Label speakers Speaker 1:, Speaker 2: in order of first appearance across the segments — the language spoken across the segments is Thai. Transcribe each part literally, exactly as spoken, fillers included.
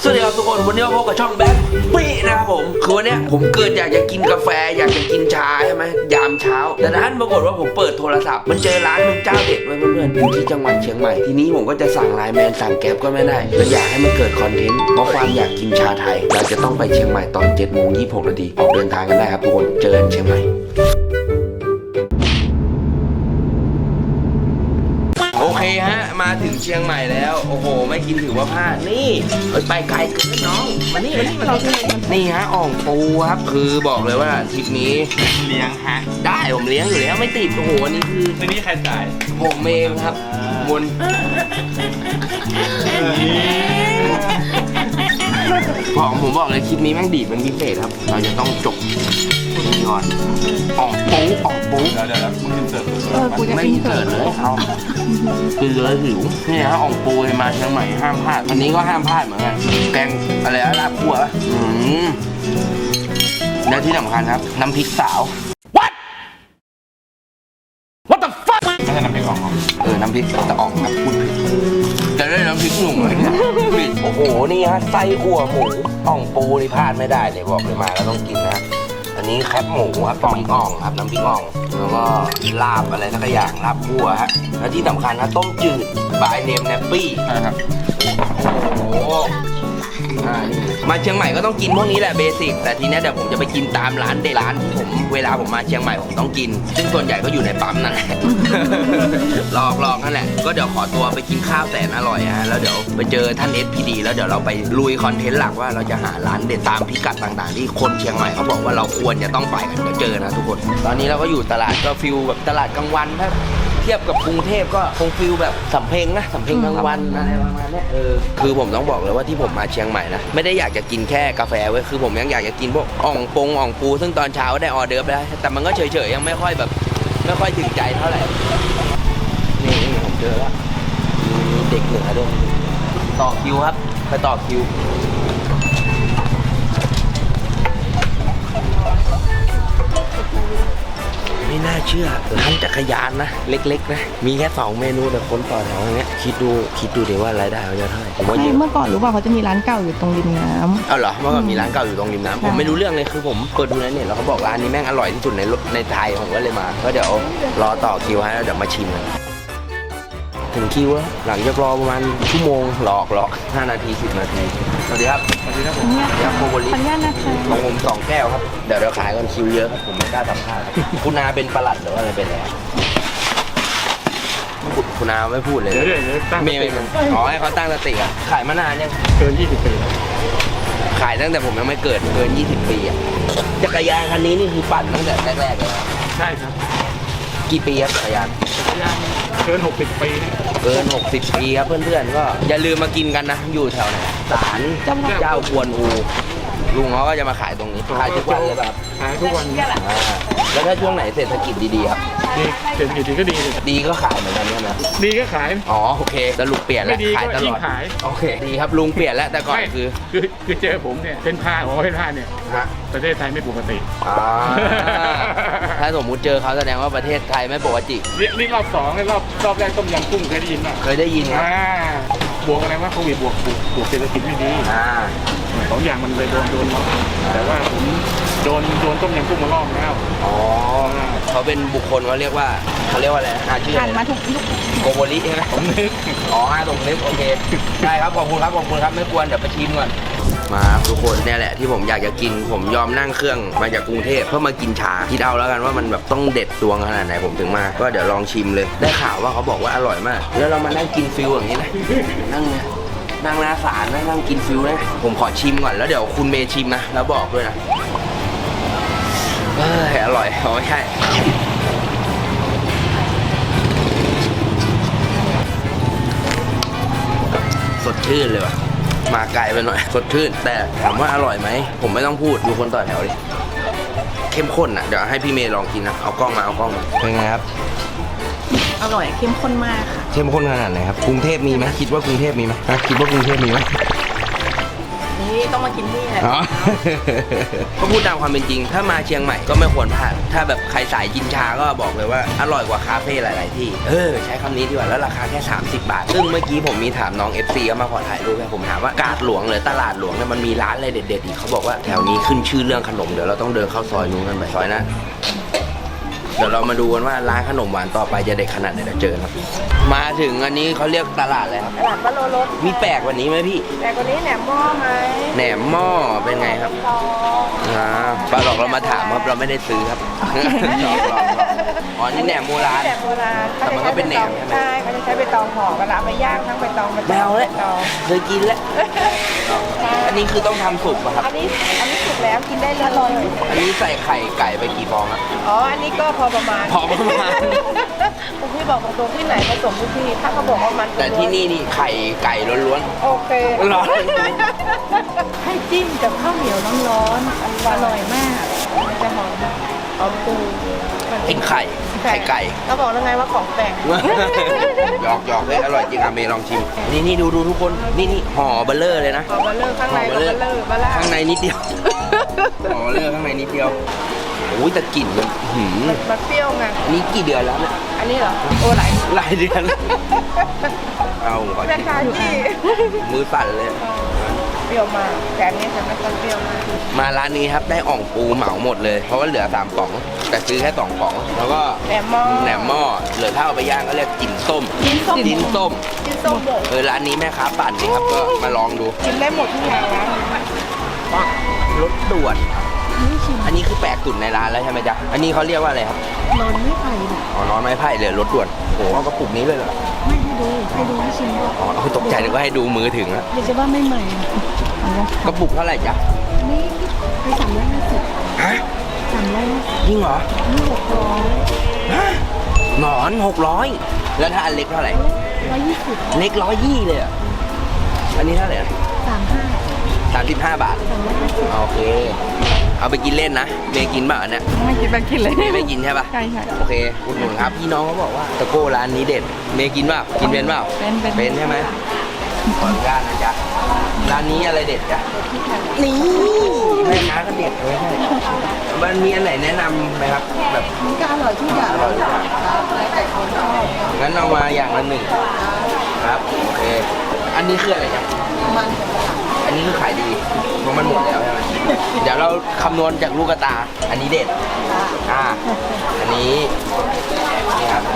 Speaker 1: สวัสดีครับทุกคนวันนี้มาพบกับช่องแบงค์ปี้นะครับผมคือวันนี้ผมเกิดอยากจะกินกาแฟอยากจะกินชาใช่ไหมยามเช้าแต่ท่านปรากฏว่าผมเปิดโทรศัพท์มันเจอร้านหนึ่งเจ้าเด็ดไว้เพื่อนๆอยู่ที่จังหวัดเชียงใหม่ทีนี้ผมก็จะสั่งไลน์แมนสั่งแก๊ปก็ไม่ได้เลยอยากให้มันเกิดคอนเทนต์เพราะความอยากกินชาไทยเราจะต้องไปเชียงใหม่ตอนเจ็ดโมงยี่สิบหกนาทีออกเดินทางกันได้ครับทุกคนเจอกันเชียงใหม่โอเคฮะมาถึงเชียงใหม่แล้วโอ้โหไม่กินถือว่าพลาดนี่ไปไกลเกินน้องมานี่มานี่มานี่นี่ฮะอ่องปูครับคือบอกเลยว่าทริปนี้
Speaker 2: เลี้ยงฮะ
Speaker 1: ได้ผมเลี้ยงอยู่แล้วไม่ติดโอ้โหอันนี้คือ
Speaker 2: ทีนี้ใครจ่าย
Speaker 1: ผมเองครับมนบอกผมบอกเลยคลิปนี้แม่งดีดเป็นพิเศษครับเราจะต้องจบนี่ก่อนอ่องปูอ่องปู
Speaker 2: เดี๋ยวเดี๋ยวมึงกินเสิร์ฟ
Speaker 1: ไม่เสิร์ฟเลยเอาคือเลยหิวนี่ฮะอ่องปูมาเชียงใหม่ห้ามพลาดอันนี้ก็ห้ามพลาดเหมือนกันแกงอะไรลาบคั่วอืมและที่สำคัญครับน้ำพริกสาว What What the fuck
Speaker 2: ไม่ใช่น้ำพริกอ่อง
Speaker 1: เออน้ำพริกตะอ่องครับพูดผิดจะได้น้ำพริกหนุ่มเลยเนี่ยผิดโอ้โหนี่ฮะไส้อั่วหมูอ่องปูนี่พลาดไม่ได้เลยบอกเลยมาแล้วต้องกินนะอันนี้แคบหมูครับน้ำพริกอ่องครับน้ำพริกอ่องแล้วก็ลาบอะไรสักอย่างลาบคั่วฮะและที่สำคัญนะต้มจืดบายเนมแนปปี้
Speaker 2: ครับ
Speaker 1: โอ้โหมาเชียงใหม่ก็ต้องกินพวกนี้แหละเบสิกแต่ทีนี้เดี๋ยวผมจะไปกินตามร้านเด็ดร้านที่ผมเวลาผมมาเชียงใหม่ผมต้องกินซึ่งส่วนใหญ่ก็อยู่ในปั๊มนั่นแหละลอกลอกนั่นแหละก็เดี๋ยวขอตัวไปกินข้าวแสนอร่อยฮะแล้วเดี๋ยวไปเจอท่าน เอส พี ดี แล้วเดี๋ยวเราไปลุยคอนเทนต์หลักว่าเราจะหาร้านเด็ดตามพิกัดต่างๆที่คนเชียงใหม่เขาบอกว่าเราควรจะต้องไปกันเดี๋ยวเจอนะทุกคนตอนนี้เราก็อยู่ตลาดก็ฟิลแบบตลาดกลางวันถ้าเทียบกับกรุงเทพก็คงฟิลแบบสำเพ็งนะสำเพ็งกลางวันอะไรประมาณนี้เออคือผมต้องบอกเลยว่าที่ผมมาเชียงใหม่นะไม่ได้อยากจะกินแค่กาแฟเว้ยคือผมยังอยากจะกินพวกอ่องปงอ่องปูซึ่งตอนเช้าได้ออเดิร์ฟแล้วแต่มันก็เฉยๆยังไม่ค่อยแบบไม่ค่อยถึงใจเท่าไหร่นี่ผมเจอแล้วมีเด็กเหนือด้วยต่อคิวครับไปต่อคิวไม่น่าเชื่อร้านจักรยานนะเล็กๆนะมีแค่สองเมนูแต่คนต่อแถวอย่างเงี้ยคิดดูคิดดูดิว่ารายได้เขาจะเท่าไหร่ผมว่า
Speaker 3: เมื่อก่อนรู้ป่ะเขาจะมีร้านเก่าอยู่ตรงริมน้ำ
Speaker 1: เอาเหรอเมื่อก่อนมีร้านเก่าอยู่ตรงริมน้ำผมไม่รู้เรื่องเลยคือผมเปิดดูในเน็ตแล้วเขาบอกร้านนี้แม่งอร่อยที่สุดในในไทยผมก็เลยมาก็เดี๋ยวรอต่อคิวให้แล้วเดี๋ยวมาชิมกันถึงคิวแล้วหลังจากรอประมาณชั่วโมงหลอกหลอกห้านาทีสิบนาทีสวัสดีครับ
Speaker 2: สวัสดีครับผม
Speaker 3: สวัสดีครับโคโบลิขออนุญาตนะคะ
Speaker 1: ของผมสองแก้วครับเดี๋ยวเราขายกันคิวเยอะครับผมไม่กล้าสัมภาษณ์คุณนาเป็นประหลัดหรือว่าอะไรเป็นอะไรคุณนาไม่พูดเลย
Speaker 2: เดี๋ยวเดี๋ยวตั้ง
Speaker 1: เมย์อ๋อให้เขาตั้งสติอ่ะขายมานานยัง
Speaker 2: เกินยี่สิบปี
Speaker 1: ขายตั้งแต่ผมยังไม่เกิดเกินยี่สิบปีอ่ะจักรยานคันนี้นี่คือปั่นตั้งแต่แรกๆเลย
Speaker 2: ใช่ครับ
Speaker 1: กี่ปีครับจักรยาน
Speaker 2: จักรยานเกินหกสิบปี
Speaker 1: เกินหกสิบปีครับเพื่อนๆก็อย่าลืมมากินกันนะอยู่แถวไหนศาลเจ้ากวนอูลุงเขาก็จะมาขายตรงนี้ขายทุกวันเลยแบบ
Speaker 2: ขายทุกวัน
Speaker 1: แล้วถ้าช่วงไหนเศรษฐกิจดีๆครับ
Speaker 2: ดีเศรษฐกิจดีก็ดี
Speaker 1: ดีก็ขายเหมือนกันใช่ไหม
Speaker 2: ดีก็ขาย
Speaker 1: อ๋อโอเคสรุปเปลี่ยนแล้วขายตลอดโอเคดีครับลุงเปลี่ยนแล้วแต่ก่อนคือ
Speaker 2: คือคือเจอผมเนี่ยเป็นผ้าของเป็นผ้าเนี่ยประเทศไทยไม่ปกติ
Speaker 1: ถ้าสมมุติเจอเขาแสดงว่าประเทศไทยไม่ปกติ
Speaker 2: นี่รอบสองรอบรอบแรกต้มยำกุ้งเคยได้ยินไหม
Speaker 1: เคยได้ยินครับ
Speaker 2: บวกอะไรว่าโควิดบวกบวกเศรษฐกิจไม่ดีสองอย่างมันเลยโดนโดนเนาะแต่ว่าผมโดนโดนต้มยำกุ้งมารอบแล้ว
Speaker 1: อ๋อเขาเป็นบุคคลเขาเรียกว่าเขาเรียกว่าอะไรอาชีพ
Speaker 3: ผ่านมาทุกยุค
Speaker 1: โกโบลิใช่ไหมผมนึกอ๋อตรงนึกโอเคได้ครับขอบคุณครับขอบคุณครับไม่ควรเดี๋ยวไปชิมก่อนมาทุกคนเนี่ยแหละที่ผมอยากจะกินผมยอมนั่งเครื่องมาจากกรุงเทพเพื่อมากินชาคิดเอาแล้วกันว่ามันแบบต้องเด็ดดวงขนาดไหนผมถึงมาก็เดี๋ยวลองชิมเลยได้ข่าวว่าเขาบอกว่าอร่อยมากแล้วเรามานั่งกินฟิลอย่างนี้นะนั่งเนี่ยนั่งหน้าศาลนะนั่งกินฟิลนะผมขอชิมก่อนแล้วเดี๋ยวคุณเมย์ชิมนะแล้วบอกด้วยนะเอออร่อยอ๋อไม่ใช่สดชื่นเลยว่ะมาไกลไปหน่อยสดชื่นแต่ถามว่าอร่อยไหมผมไม่ต้องพูดดูคนต่อแถวดิเข้มข้นอ่ะเดี๋ยวให้พี่เมย์ลองกินนะเอากล้องมาเอากล้องมาเป็นไงครับ
Speaker 3: อร่อยเข้มข้นมากค่ะ
Speaker 1: เข้มข้นขนาดไหนครับกรุงเทพมีไหมคิดว่ากรุงเทพมีไหมคิดว่ากรุงเทพมีไหม
Speaker 3: นี่ต้องมากินที่นี่แหละ
Speaker 1: อ๋อ ก็พูดตามความเป็นจริง ถ้ามาเชียงใหม่ก็ไม่ควรพลาด ถ้าแบบใครสายกินชาก็บอกเลยว่าอร่อยกว่าคาเฟ่หลาย ๆ ที่ เออใช้คำนี้ดีกว่า แล้วราคาแค่ สามสิบบาท ซึ่งเมื่อกี้ผมมีถามน้อง เอฟ ซี เขามาขอถ่ายรูปให้ผมถามว่ากาดหลวงหรือตลาดหลวงเนี่ยมันมีร้านอะไรเด็ด ๆ อีกเขาบอกว่าแถวนี้ขึ้นชื่อเรื่องขนม เดี๋ยวเราต้องเดินเข้าซอยนู้นกันไปซอยนะ เดี๋ยวเรามาดูกันว่าร้านขนมหวานต่อไปจะเด็ดขนาดไหนเดี๋ยวเจอครับ มาถึงอันนี้เขาเรียกตลาดอะไรครับ
Speaker 3: ตลาดปลาโลรส
Speaker 1: มีแปลกกว่านี้ไหมพี่
Speaker 3: แต่คนนี้แหนมหม้อไหม
Speaker 1: แหนมหม้อเป็นไงครับ
Speaker 3: ซอง
Speaker 1: อ่าปลาหลอกเรามาถามครับเราไม่ได้ซื้อครับหลอกหลอกหลอกอ๋อนี่แหนมโบราณ
Speaker 3: แหนมโบราณ
Speaker 1: แต่มันก็เป็นแหนมใช่ไหม
Speaker 3: ใช่เขาจะใช้ใบตองห่อเวลาไปย่างทั้งใบตองใบตอง
Speaker 1: ไม่เอาเลย
Speaker 3: ใบตอง
Speaker 1: เคยกินแล้ว อันนี้คือต้องทำสุกป่ะครับ
Speaker 3: อันนี้อันนี้สุกแล้วกินได้เลย
Speaker 1: อันนี้ใส่ไข่ไก่ไปกี่ฟองครับ
Speaker 3: อ๋ออันนี้ก็พอประมาณ
Speaker 1: พอประมาณ
Speaker 3: คุณพี่บอกตรงๆที่ไหนผสมทุกที่ถ้าเขาบอกว่ามัน
Speaker 1: แต่ที่นี่นี่ไข่ไก่ล้วน
Speaker 3: โอเค
Speaker 1: ร้อน
Speaker 3: ให้จิ้มกับข้าวเหนียวร้อนๆอร่อยมากมันจะหอมหอมปู
Speaker 1: ๆกินไข่ไข่ไก่
Speaker 3: ก็บอกแล้วไงว่าของแปลก
Speaker 1: หยอกหยอกเลยอร่อยจริงอะเมย์ลองชิม นี่นี่ดูดูทุกคนนี่นี่ห่อเบลเลอร์เลยนะ
Speaker 3: ขอเบลเลอร์ข้างในก็เบลเลอร์เบลล่า
Speaker 1: ข้างในนิดเดียวห่อเบลเลอร์ข้างในนิดเดียวโอ้ยแต่กลิ่นมันหืม
Speaker 3: มันเปรี้ยวไง
Speaker 1: นี่กี่เดือนแล้วเนี่ย
Speaker 3: อันนี้เหรอโอ้หลาย
Speaker 1: หลายเดือนแล้วเอาก่อน
Speaker 3: แม่ค้าที่
Speaker 1: มือสั่นเลย
Speaker 3: เปรี้ยวมากแต่อันนี้จะไม่ค่อยเปรี้ยวมาก
Speaker 1: มาร้านนี้ครับได้อ่องปูเหมาหมดเลย เพราะว่าเหลือสามป๋อง แต่ซื้อแค่สองป๋อง แล้วก็
Speaker 3: แหนมหม้อ
Speaker 1: แหนมหม้อเหลือถ้าเอาไปย่างก็เรียกจิ้นส้ม
Speaker 3: จิ้นส้ม
Speaker 1: จิ้นส้ม
Speaker 3: จิ้นส้มหมด
Speaker 1: เออร้านนี้แม่ค้าปั่นนี่ครับก็มาลองดู
Speaker 3: กินได้หมดทุกอย่างร้านนี้
Speaker 1: รสด่วน อันนี้คือแปลกสุดในร้านแล้วใช่ไหมจ๊ะอันนี้เขาเรียกว่าอะไรครับ
Speaker 3: นอนไม่ไผ่
Speaker 1: อ๋อนอนไม้ไผ่เลยรสด่วนโอ้โหเอากระปุกนี้เลยเหรอ
Speaker 3: ไม่ให้ดูให้ดูให้ชิมด้วย
Speaker 1: อ๋อเอาตกใจนึกว่าให้ดูมือถึงอะ
Speaker 3: เดี๋ยวจะว่าไม่ใหม่เอาละ
Speaker 1: กระปุกเท่าไหร่จ๊ะ
Speaker 3: นี่ไปสามร้อยห้าสิบ
Speaker 1: ฮะ
Speaker 3: สามร้อยห้าสิบ
Speaker 1: จริงเหรอ
Speaker 3: นี่หกร้อย
Speaker 1: ฮะหนอนหกร้อยแล้วถ้าอันเล็กเท่าไหร่
Speaker 3: ร้อยยี่สิบ
Speaker 1: เล็กร้อยยี่เลยอ่ะ อันนี้เท่าไหร่นะ
Speaker 3: สามห้า
Speaker 1: สามสิบห้าบาท
Speaker 3: สามร้อยห้าสิบ
Speaker 1: โอเค เอาไปกินเล่นนะ เมย์กินเปล่าอันเนี่ย
Speaker 3: ไม่กินไปกินเลย
Speaker 1: เมย์ไม่กินใช่ปะ
Speaker 3: ใช่ใช่
Speaker 1: โอเคอุดหนุนครับ พี่น้องเขาบอกว่าตะโก้ร้านนี้เด็ด เมย์กินเปล่า กินเป็นเปล่า
Speaker 3: เป็นเป็น
Speaker 1: เป็นใช่ไหมขออนุญาตนะจ๊ะ ร้านนี้อะไรเด็ดจ๊ะ นี่แม่ค้าก็เด็ดเลยใช่มันมีอันไหนแนะนำไหมครับ แบบ
Speaker 3: มันก็อร่อยทุกอย่าง
Speaker 1: อร่อยทุกอย่าง
Speaker 3: แล้วแต่คนชอบ
Speaker 1: งั้นเอามาอย่างละหนึ่งครับ โอเค อันนี้คืออะไรจ๊ะ
Speaker 3: มันกับหลัง
Speaker 1: อันนี้คือขายดีเพราะมันหมดแล้วใช่ไหม เดี๋ยวเราคำนวณจากลูกกระตา อันนี้เด็ด อ่า อันนี้ นี่ครับ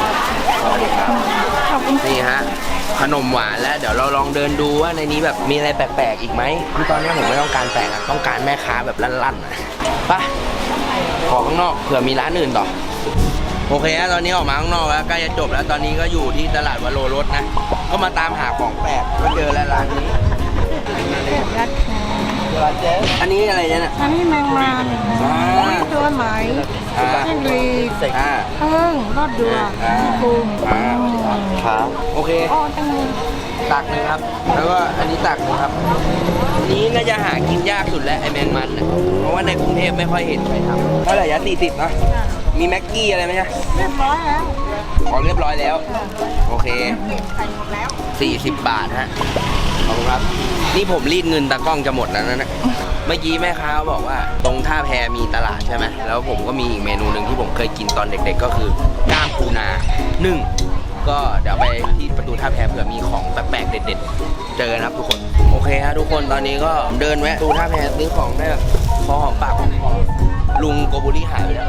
Speaker 1: นี่ฮะ ขนมหวานแล้วเดี๋ยวเราลองเดินดูว่าในนี้แบบมีอะไรแปลกๆอีกไหมคือตอนนี้ผมไม่ต้องการแปลกอะต้องการแม่ค้าแบบลั่นๆอะไปขอข้างนอกเผื่อมีร้านอื่นต่อ โอเคฮะตอนนี้ออกมาข้างนอกแล้วใกล้จะจบแล้วตอนนี้ก็อยู่ที่ตลาดวโรรสนะ ก็มาตามหาของแปลกก็เจอแล้วร้านนี้
Speaker 3: ยัดคอ
Speaker 1: อันนี้อะไรเนี่ยน่ะ
Speaker 3: อันนี้แมงมัน
Speaker 1: อ่า
Speaker 3: ตัวไหม
Speaker 1: อ่า
Speaker 3: จิ้งหรีด
Speaker 1: อ่า
Speaker 3: เพิ่งรอดเดือ
Speaker 1: อ่า
Speaker 3: กุ้ง
Speaker 1: อ่าครับโอเค
Speaker 3: อ๋อจังเลย
Speaker 1: ตักหนึ่งครับ แล้วก็อันนี้ตักหนึ่งครับอันนี้น่าจะหากินยากสุดแล้วไอแมงมันน่ะเพราะว่าในกรุงเทพไม่ค่อยเห็นใครทำเท่าไหร่ยะสี่สิบนะมีแม็กกี้อะไรไหมจ๊ะ
Speaker 3: เรียบร้อยแล้ว
Speaker 1: ของเรียบร้อยแล้ว โอเค
Speaker 3: ใส่หมดแล้ว
Speaker 1: สี่สิบบาทฮะขอบคุณครับ นี่ผมรีดเงินตากล้องจะหมดแล้วนะเนี่ยเมื่อกี้แม่ค้าบอกว่า ตรงท่าแพมีตลาดใช่ไหมแล้วผมก็มีอีกเมนูหนึ่งที่ผมเคยกินตอนเด็กๆ ก็คือกล้ามปูนานึ่งก็เดี๋ยวไปที่ประตูท่าแพเผื่อมีของแปลกๆเด็ดๆ เจอนะครับทุกคน โอเคฮะทุกคนตอนนี้ก็เดินแวะประตูท่าแพซื้อของได้แบบพอหอมปากหอมคอลุงโกโบริหายไปแล้ว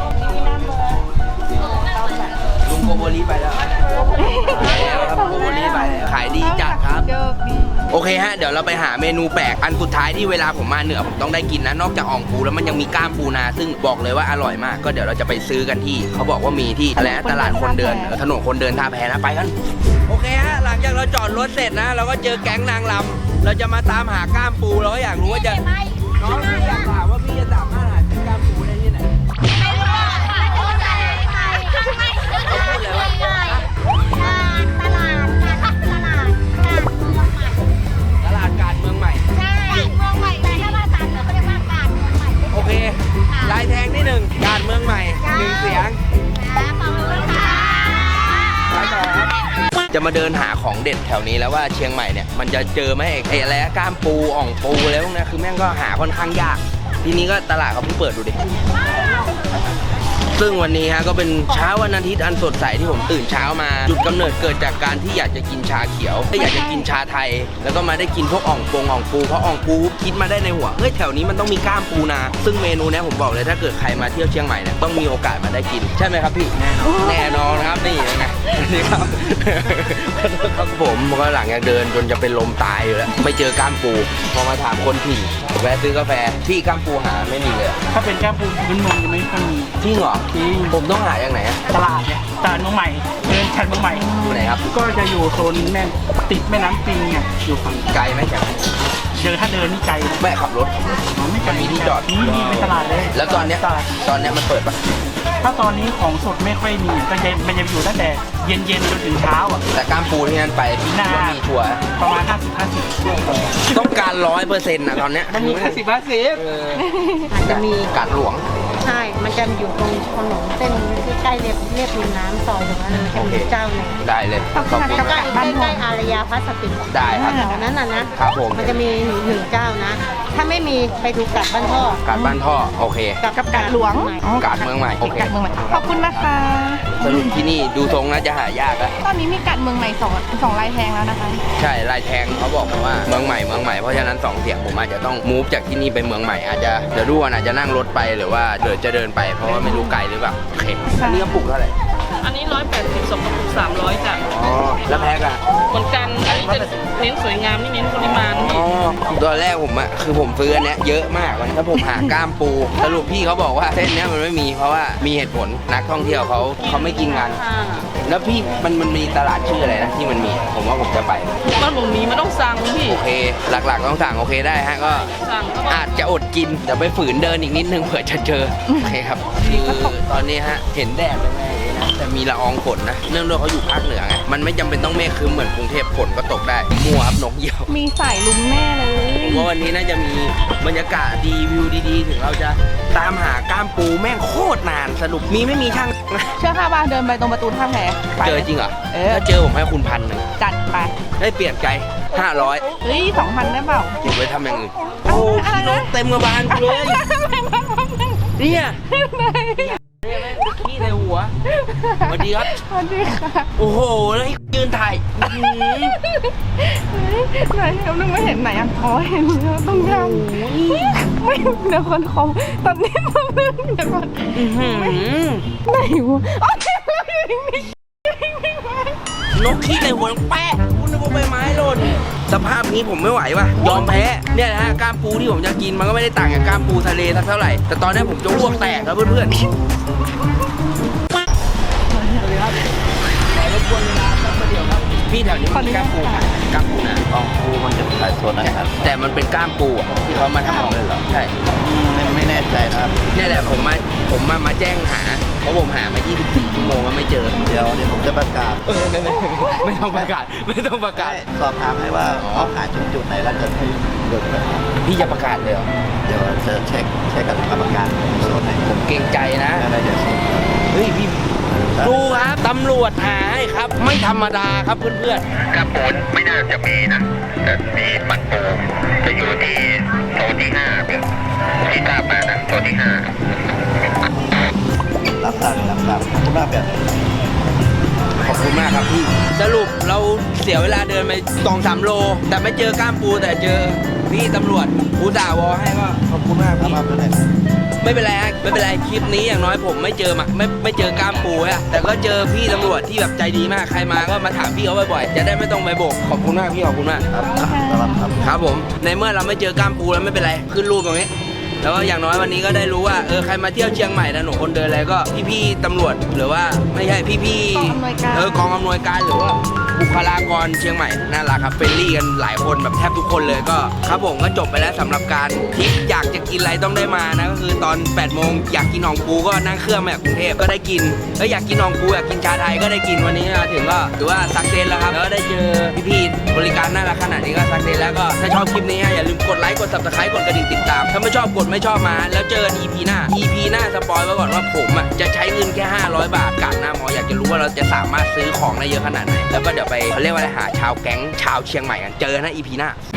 Speaker 1: ลุงโกโบริไปแล้วไปแล้วครับโกโบริไปแล้วขายดีจัดครับ โอเคฮะเดี๋ยวเราไปหาเมนูแปลกอันสุดท้ายที่เวลาผมมาเหนือผมต้องได้กินนะนอกจากอ่องปูแล้วมันยังมีก้ามปูนา ซึ่งบอกเลยว่าอร่อยมากก็เดี๋ยวเราจะไปซื้อกันที่เขาบอกว่ามีที่อะไรนะตลาดคนเดินเออถนนคนเดินท่าแพนะไปกันโอเคฮะหลังจากเราจอดรถเสร็จนะ เราก็เจอแก๊งนางรำเราจะมาตามหาก้ามปูเราก็อยากรู้ว่าจะน้องอยากถามว่าพี่จะสามารถหาซื้อก้ามปูได้ที่ไหนเขาพูดเลยว่าตลาดการเมืองใหม่โอเคลายแทงที่หนึ่งการเมืองใหม่หนึ่งเสียงไปต่อครับจะมาเดินหาของเด็ดแถวนี้แล้วว่าเชียงใหม่เนี่ยมันจะเจอไหมไอ้อะไรนะกล้ามปูอ่องปูแล้วพวกนี้คือแม่งก็หาค่อนข้างยากทีนี้ก็ตลาดเขาเพิ่งเปิดดูดิซึ่งวันนี้ฮะก็เป็นเช้าวันอาทิตย์อันสดใสที่ผมตื่นเช้ามาจุดกำเนิดเกิดจากการที่อยากจะกินชาเขียวอยากจะกินชาไทยแล้วก็มาได้กินพวกอ่องปงอ่องปูเพราะอ่องปูคิดมาได้ในหัวเฮ้ยแถวนี้มันต้องมีกล้ามปูนาซึ่งเมนูนี้ผมบอกเลยถ้าเกิดใครมาเที่ยวเชียงใหม่เนี่ยต้องมีโอกาสมาได้กินใช่ไหมครับพี่แน่นอนครับนี่ไงนี่ครับครับผมก็หลังจากเดินจนจะเป็นลมตายอยู่แล้วไม่เจอกล้ามปูพอมาถามคนถิ่นแวะซื้อกาแฟที่กล้ามปูหาไม่มีเลย
Speaker 2: ถ้าเป็นกล้ามปูพื้นเมืองจะไม่ค่อยมี
Speaker 1: จริงเหรอ
Speaker 2: จริง
Speaker 1: ผมต้องหาอย่างไหนอะ
Speaker 2: ตลาดเนี่ยตลาดเมืองใหม่เดินแถวเมืองใหม่
Speaker 1: อยู่ไหนครับ
Speaker 2: ก็จะอยู่โซนแม่ติดแม่น้ำปิงเนี่ยอยู่ฝั่ง
Speaker 1: ไกลไหมจาก
Speaker 2: เดินถ้าเดินนี่ไกลนะ
Speaker 1: แม่ขับรถ
Speaker 2: อ๋อไม่ไกล
Speaker 1: มีที่จอด
Speaker 2: นี่นี่เป็นตลาดเลย
Speaker 1: แล้วตอนเนี้ย
Speaker 2: ตลาด
Speaker 1: ตอนเนี้ยมันเปิดปะ
Speaker 2: ถ้าตอนนี้ของสดไม่ค่อยมีก็จะมันจะอยู่ตั้งแต่เย็นเย็นๆจนถึงเช้าอ่ะ
Speaker 1: แต่กล้ามปูที่นั่นไปพี่
Speaker 2: น่า
Speaker 1: ว่ามีชัวร์
Speaker 2: ประมาณห้าสิบห้าสิบ
Speaker 1: ต้องการร้อยเปอร์เซ็นต์นะตอนเนี้ย
Speaker 2: มันมีห้าสิบห้าสิบ
Speaker 1: เออ
Speaker 3: อาจจะมี
Speaker 1: กาดหลวง
Speaker 3: ใช่ มันจะอยู่ตรงถนนเส้นที่ใกล้เรียบเรียบริมน้ำซอยตรงนั้นมันจะมีเจ้าหนึ่ง
Speaker 1: ได้เลยขอบคุณ
Speaker 3: ใกล้ใกล้ใกล้ๆอารยาพลาสติก
Speaker 1: ได้ครับ
Speaker 3: แถวนั้นน่ะนะครับ
Speaker 1: ผม
Speaker 3: มันจะมีหนึ่งหนึ่งเจ้านะ ถ้าไม่มีไปดูกัดบ้านพ่อก
Speaker 1: าดบ้านท่อโอเค
Speaker 3: กับกัดหลวง
Speaker 1: กาดเมืองใหม่โอเค
Speaker 4: กัดเมืองใหม่ขอบคุณนะคะ
Speaker 1: สรุปที่นี่ดูทรงน่าจะหายากอะ
Speaker 4: ตอนนี้มีกัดเมืองใหม่สองสองลายแทงแล้วนะคะ
Speaker 1: ใช่ลายแทงเขาบอกมาว่าเมืองใหม่เมืองใหม่เพราะฉะนั้นสองเสียงผมอาจจะต้องมูฟจากที่นี่ไปเมืองใหม่อาจจะเดี๋ยวดูว่าอาจจะนั่งรถไปหรือว่าเดินจะเดินไปเพราะว่าไม่รู้ไกลหรือเปล่าโอเคอันนี้ก็ปลูกเท่าไหร่
Speaker 5: อันนี้ร้อยแปดสิบสองกระปุกสามร้อยจ้ะ
Speaker 1: อ๋อแล้วแพ็คอะ
Speaker 5: เหมือนกันอันนี้จะเน้นสวยงามนี่เน้นปริมาณพี่
Speaker 1: อ๋อตอนแรกผมอะคือผมซื้ออันเนี้ยเยอะมากวันถ้าผมหากล้ามปูสรุปพี่เขาบอกว่าเส้นเนี้ยมันไม่มีเพราะว่ามีเหตุผลนักท่องเที่ยวเขาเขาไม่กินกัน
Speaker 5: ค่ะ
Speaker 1: แล้วพี่มันมันมีตลาดชื่ออะไรนะที่มันมีผมว่าผมจะไป
Speaker 5: มันหมูมีมันต้องสั่งพี่
Speaker 1: โอเค หลักๆต้องสั่งโอเคได้ฮะก็
Speaker 5: สั่งก็
Speaker 1: อาจจะอดกินเดี๋ยวไปฝืนเดินอีกนิดนึงเผื่อจะเจอโอเคครับคือตอนนี้ฮะเห็นแดดแรงๆนะแต่มีละอองฝนนะเนื่องด้วยเขาอยู่ภาคเหนือไงมันไม่จำเป็นต้องเมฆครึ้มเหมือนกรุงเทพฝนก็ตกได้มัวครับนกเหยี่ยว
Speaker 4: มีสายลุงแน่เลย
Speaker 1: ผมว่าวันนี้น่าจะมีบรรยากาศดีวิวดีๆ ถึงเราจะตามหาก้ามปูแม่งโคตรนานสรุปมีไม่มีช่าง
Speaker 4: เชื่อค่ะว่าเดินไปตรงประตูท่าแพไป
Speaker 1: เจอจริงเหรอ
Speaker 4: เออ
Speaker 1: ถ้าเจอผมให้คุณพันหนึ่ง
Speaker 4: จัดไป
Speaker 1: ได้เปลี่ยนใจห้าร้อย
Speaker 4: เฮ้ยสองพันได้เปล่า
Speaker 1: เก็บไว้ทำอย่างอื่นโอ้พี่นกเต็มกระบาลกูเลยเนี่ยขี้ในหัวสวัสดีครับ
Speaker 4: สวัสดีค่ะ
Speaker 1: โอ้โหแล้วไอ้ยืนถ่ายอื้อหือ
Speaker 4: ไหนเรานึกไม่เห็นไหนอ่ะอ๋อเห็นแล้วต้องยังไม่เดี๋ยวคนเขาตอนนี้มันเรื่องเดี๋ยวก่อน
Speaker 1: อื้อหือ
Speaker 4: ไหนวะอ๋อเห็นแล้วอยู่นี่
Speaker 1: นกขี้ในหัวแปะคุณนึกว่าใบไม้หล่นสภาพนี้ผมไม่ไหวว่ะยอมแพ้เนี่ยนะฮะกล้ามปูที่ผมจะกินมันก็ไม่ได้ต่างจากกล้ามปูทะเลสักเท่าไหร่แต่ตอนนี้ผมจะอ้วกแตกครับเพื่อนๆพี่แถวนี้มันมีกล้ามปูไหมกล้ามปูนะ
Speaker 6: กองปูมันจะขายส่วนนะครับ
Speaker 1: แต่มันเป็นกล้ามปูอะที่เขามาทำของเลยเหรอใช่
Speaker 6: ไม่ไม่แน่ใจนะครับ
Speaker 1: เนี่ยแหละผมมาผมมามาแจ้งหาเพราะผมหามายี่สิบสี่ชั่วโมงแล้วไม่เจอ
Speaker 6: เดี๋ยวเดี๋ยวผมจะประกาศ
Speaker 1: เออไม่ไม่ไม่ต้องประกาศไม่ต้องประกาศ
Speaker 6: สอบถามให้ว่าเขาขายจุดจุดไหนแล้วจะให้เดินไป
Speaker 1: พี่จะประกาศเลยเหรอ
Speaker 6: เดี๋ยวจะเช็คเช็คกับกรรมการโซนไหน
Speaker 1: ผมเกรงใจนะ
Speaker 6: อะไรเดี๋ยวส่ง
Speaker 1: เฮ้ยพี่ดูครับตำรวจหาให้ครับ ไม่ธรรมดาครับเพื่อน
Speaker 7: กระปูนไม่น่าจะมีนะ แต่มีปันปูจะอยู่ที่โซนที่ห้าเป็นที่ทราบมานะโซนที่ห้า
Speaker 6: รับทราบรับทราบคุณมากแบบ
Speaker 1: ๆขอบคุณมากครับพี่สรุปเราเสียเวลาเดินไปสองสามโล แต่ไม่เจอกล้ามปูแต่เจอพี่ตำรวจผู้ด่าวอให้ก็ขอบคุณมาก
Speaker 6: รับ
Speaker 1: พี่
Speaker 6: มาเป็นไหน
Speaker 1: ไม่เป็นไรฮะไม่เป็นไรคลิปนี้อย่างน้อยผมไม่เจอมาไม่ไม่เจอกล้ามปูฮะแต่ก็เจอพี่ตำรวจที่แบบใจดีมากใครมาก็มาถามพี่เขาบ่อยๆจะได้ไม่ต้องไปโบกขอบคุณมากพี่ขอบคุณมาก
Speaker 6: ครับรับครับ
Speaker 1: ครับผมในเมื่อเราไม่เจอกล้ามปูแล้วไม่เป็นไรขึ้นรูปตรงนี้แล้วก็อย่างน้อยวันนี้ก็ได้รู้ว่าเออใครมาเที่ยวเชียงใหม่ถนนคนเดินอะไรก็พี่ๆตำรวจหรือว่าไม่ใช่พี่ๆเออกองอำนวยการหรือว่าบุคลากรเชียงใหม่น่ารักครับเฟรนลี่กันหลายคนแบบแทบทุกคนเลยก็ครับผมก็จบไปแล้วสำหรับการทริปอยากจะกินอะไรต้องได้มานะก็คือตอนแปดโมงอยากกินหนองปูก็นั่งเครื่องมาจากกรุงเทพก็ได้กินแล้วอยากกินหนองปูอยากกินชาไทยก็ได้กินวันนี้มาถึงก็ถือว่าสักเซนแล้วครับแล้วก็ได้เจอพี่ๆบริการการน่ารักขนาดนี้ก็สักเดนแล้วก็ถ้าชอบคลิปนี้อย่าลืมกดไลค์กด ซับสไครบ์ กดกระดิ่งติดตามถ้าไม่ชอบกดไม่ชอบมาแล้วเจอกัน อี พี หน้า อี พี หน้าสปอยไว้ก่อนว่าผมอ่ะจะใช้เงินแค่ห้าร้อยบาทกาดหน้าหมออยากจะรู้ว่าเราจะสามารถซื้อของได้เยอะขนาดไหนแล้วก็เดี๋ยวไปเขาเรียกว่าอะไรหาชาวแก๊งชาวเชียงใหม่กันเจอกันนะ อี พี หน้า